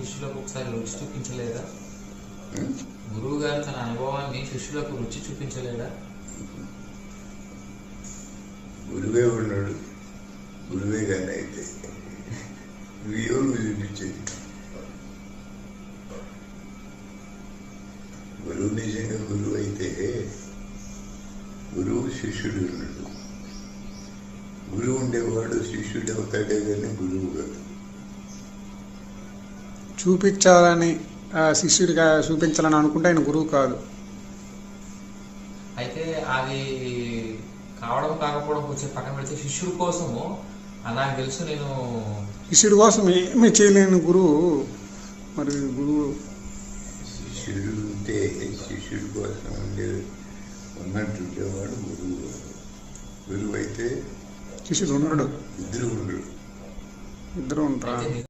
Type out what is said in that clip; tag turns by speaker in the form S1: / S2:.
S1: శిష్యులకు ఒకసారి రుచి చూపించలేదా? గురువు గారు తన అనుభవాన్ని శిష్యులకు రుచి చూపించలేదా?
S2: గురువే ఉన్నాడు, గురువే కానీ అయితే చూపించేది. గురువు నిజంగా గురువు అయితే గురువు శిష్యుడు ఉన్నాడు. గురువు ఉండేవాడు శిష్యుడు అవుతాడే కానీ గురువు కాదు.
S3: చూపించాలని శిష్యుడిగా చూపించాలని అనుకుంటే ఆయన గురువు కాదు.
S1: అయితే అది కావడం కాకపోవడం కొంచెం పక్కన పెడితే శిష్యుడి కోసము నాకు తెలుసు నేను
S3: శిష్యుడి కోసం ఏమీ చేయలేని గురువు మరి గురువు
S2: శిష్యుడు ఉంటే శిష్యుడి కోసం ఉన్నట్టుండేవాడు గురువు. గురువు అయితే
S3: శిష్యుడు ఉండడు,
S2: ఇద్దరు ఉండడు.
S3: ఇద్దరు ఉంటారు.